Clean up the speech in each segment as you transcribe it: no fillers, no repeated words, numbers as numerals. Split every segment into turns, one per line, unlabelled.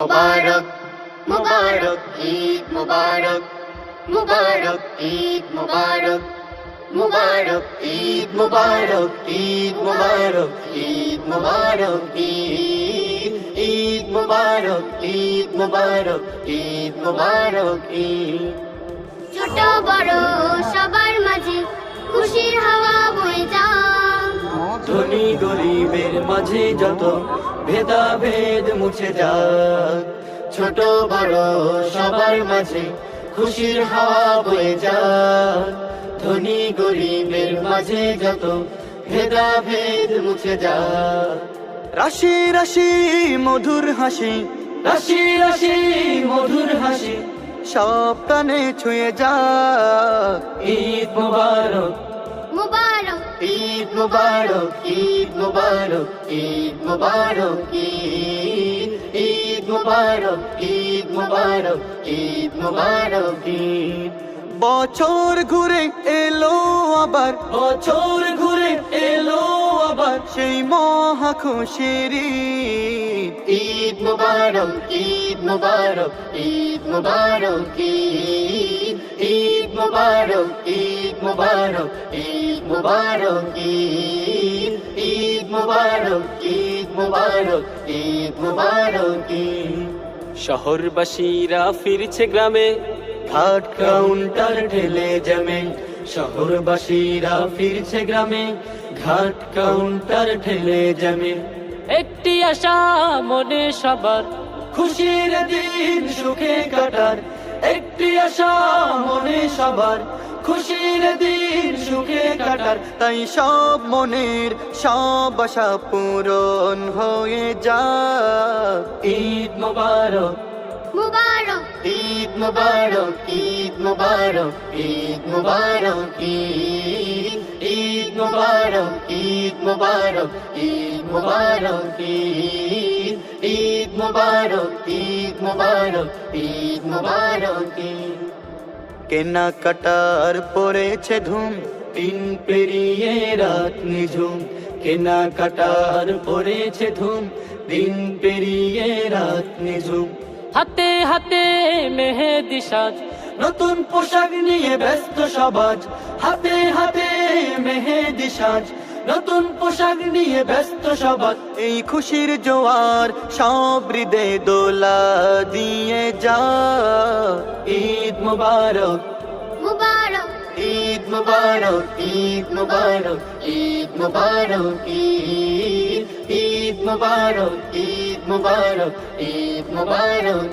মুবারক মুবারক ঈদ মুবারক মুবারক ঈদ মুবারক মুবারক ঈদ মুবারক ঈদ মুবারক ঈদ মুবারক ঈদ মুবারক ঈদ মুবারক ঈদ মুবারক ঈদ।
ছোট বড় সবার মাঝে খুশির হাওয়া বয়ে যায়,
ধনী গরিবের মাঝে যত ভেদাভেদ মুছে যাক। ছোট বড় সবার মাঝে খুশির হাওয়া বয়ে যাক। ধনী গরিবের মাঝে যত ভেদাভেদ মুছে যাক। রাশি রাশি মধুর হাসি, রাশি রাশি মধুর হাসি সব প্রাণে ছুঁয়ে যাক। ঈদ মুবারক
মুবারক
ঈদ মুবারক ঈদ মুবারক ঈদ মুবারক ঈদ মুবারক ঈদ মুবারক ঈদ মুবারক ঈদ। বছর ঘুরে এলো আবার, বছর ঘুরে এলো আবার সেই মহা খুশির ঈদ। ঈদ মুবারক ঈদ মুবারক ঈদ মুবারক ঈদ মুবারক ঈদ মুবারক ঈদ মুবারক ঈদ মুবারক ঈদ মুবারক ঈদ মুবারক ঈদ।
শহরবাসীরা ফিরছে গ্রামে,
ঘাট কাউন্টার ঠেলে জমে। শহরবাসীরা ফিরছে গ্রামে, ঘাট কাউন্টার ঠেলে জমে।
একটি আশা মনে সবার,
খুশির দিন সুখে কাটার। একটি আশা মনে সবার, খুশির দিন সুখে কাটার। তাই সব মনের সব আশা পূরণ হয়ে যায়। ঈদ মুবারক
মুবারক
ঈদ মুবারক ঈদ মুবারক ঈদ মুবারক ঈদ মুবারক ঈদ মুবারক ঈদ মুবারক ঈদ মুবারক ঈদ মুবারক ঈদ মুবারক। কেনাকাটার পড়েছে ধুম, দিন পেরিয়ে রাত নিঝুম। কেনাকাটার পড়েছে ধুম, দিন পেরিয়ে রাত নিঝুম।
হাতে হাতে মেহেদি সাজ,
নতুন পোশাক নিয়ে ব্যস্ত সমাজ। হাতে হাতে মেহেদি সাজ, নতুন পোশাক নিয়ে ব্যস্ত সমাজ। এই খুশির জোয়ার সব হৃদয়ে দোলা দিয়ে যা। ঈদ মুবারক
মুবারক
ঈদ মুবারক ঈদ মুবারক ঈদ মুবারক ঈদ মুবারক ঈদ মুবারক ঈদ মুবারক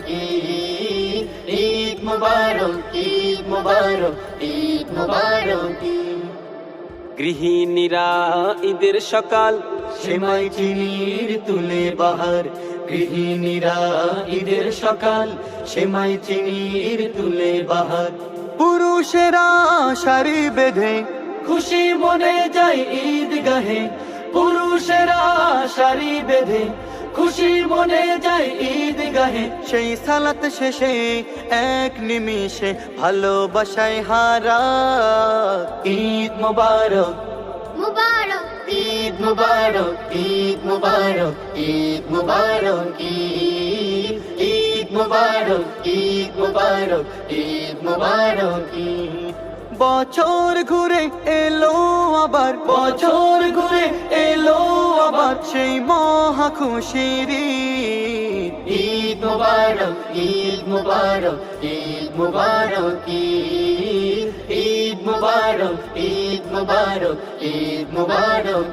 ঈদ মুবারক ঈদ মুবারক ঈদ মুবারক।
গৃহিণীরা ঈদের সকাল,
সেমাই চিনির তুলে বাহার। গৃহিণীরা ঈদের সকাল, সেমাই চিনির তুলে বাহার। পুরুষেরা শাড়ি বেঁধে খুশি মনে যায় ঈদগাহে। পুরুষেরা শাড়ি বেঁধে খুশি মনে যায় ঈদগাহে। সেই সালাত শেষে এক নিমিষে ভালোবাসায় হারা। ঈদ মুবারক
মুবারক
ঈদ মুবারক ঈদ মুবারক ঈদ মুবারক ঈদ মুবারক ঈদ মুবারক ঈদ মুবারক ঈদ। বছর ঘুরে এলো আবার, বছর ঘুরে এলো আবার সেই মহা খুশির ঈদ। ঈদ মুবারক ঈদ মুবারক ঈদ মুবারক ঈদ মুবারক ঈদ মুবারক ঈদ মুবারক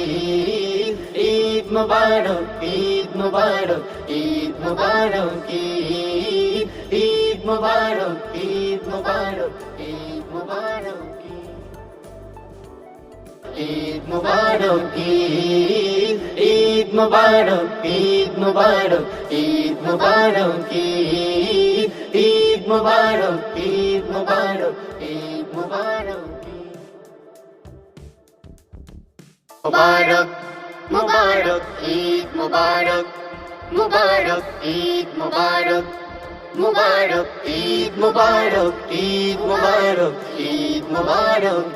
ঈদ মুবারক ঈদ মুবারক ঈদ মুবারক ঈদ মুবারক ঈদ মুবারক ঈদ মুবারক ঈদ মুবারক ঈদ মুবারক ঈদ মুবারক ঈদ মুবারক ঈদ মুবারক ঈদ মুবারক ঈদ মুবারক। মুবারক মুবারক ঈদ মুবারক মুবারক ঈদ মুবারক মুবারক ঈদ মুবারক ঈদ মুবারক ঈদ মুবারক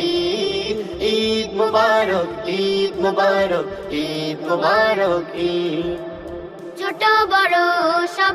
ঈদ মুবারক ঈদ মুবারক ঈদ মুবারক ঈদ।
ছোট বড়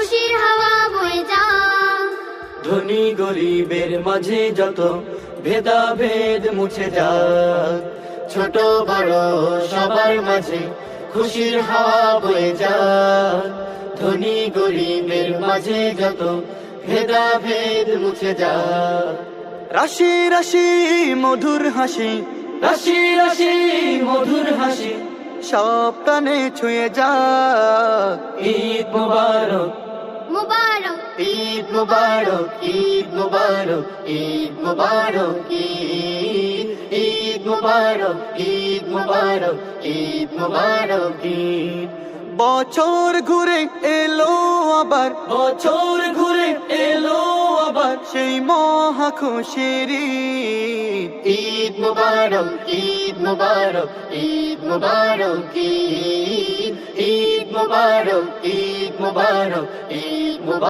খুশির হাওয়া বয়ে যাক
ধনী গরিবের মাঝে যত ভেদাভেদ মুছে যাক ছোট বড় সবার মাঝে খুশির হাওয়া বয়ে যাক ধনী গরিবের মাঝে যত ভেদাভেদ মুছে যাক রাশি রাশি মধুর হাসি রাশি রাশি মধুর হাসি সব কানে ছুঁয়ে যাক ঈদ মুবারক
মুবারক
ঈদ মুবারক ঈদ মুবারক ঈদ মুবারক ঈদ ঈদ মুবারক ঈদ মুবারক ঈদ মুবারক ঈদ বছর ঘুরে এলো আবার বছর ঘুরে এলো আবার সেই মহা খুশির ঈদ মুবারক ঈদ মুবারক ঈদ মুবারক ঈদ ঈদ মুবারক ঈদ মুবারক ঈদ মুবারক